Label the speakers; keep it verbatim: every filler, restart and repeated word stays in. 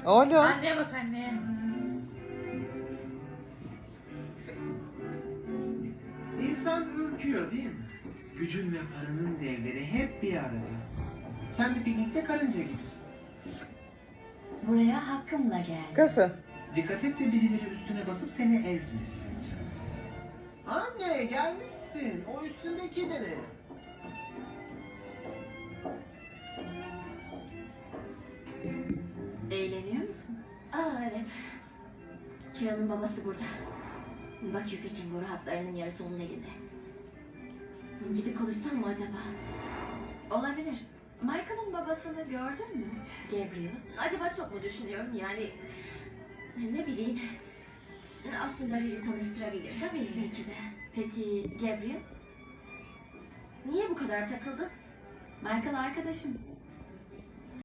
Speaker 1: Oğlum.
Speaker 2: Anneye bak anneye.
Speaker 3: İnsan ürküyor değil mi? Gücün ve paranın devleri hep bir arada. Sen de piknikte karınca gibisin.
Speaker 4: Buraya hakkımla geldim.
Speaker 1: Kızım.
Speaker 3: Dikkat et de birileri üstüne basıp seni ezmesin. Anne gelmişsin. O üstündeki de ne?
Speaker 4: Eğleniyor musun? Aa evet. Kira'nın babası burada. Bak Yüpek'in boru hatlarının yarısı onun elinde. Gidip konuşsam mı acaba? Olabilir. Michael'ın babasını gördün mü? Gabriel. Acaba çok mu düşünüyorum yani... Ne bileyim... Aslında Riri tanıştırabilir. Tabii. Belki de. Peki Gabriel? Niye bu kadar takıldın? Michael arkadaşım.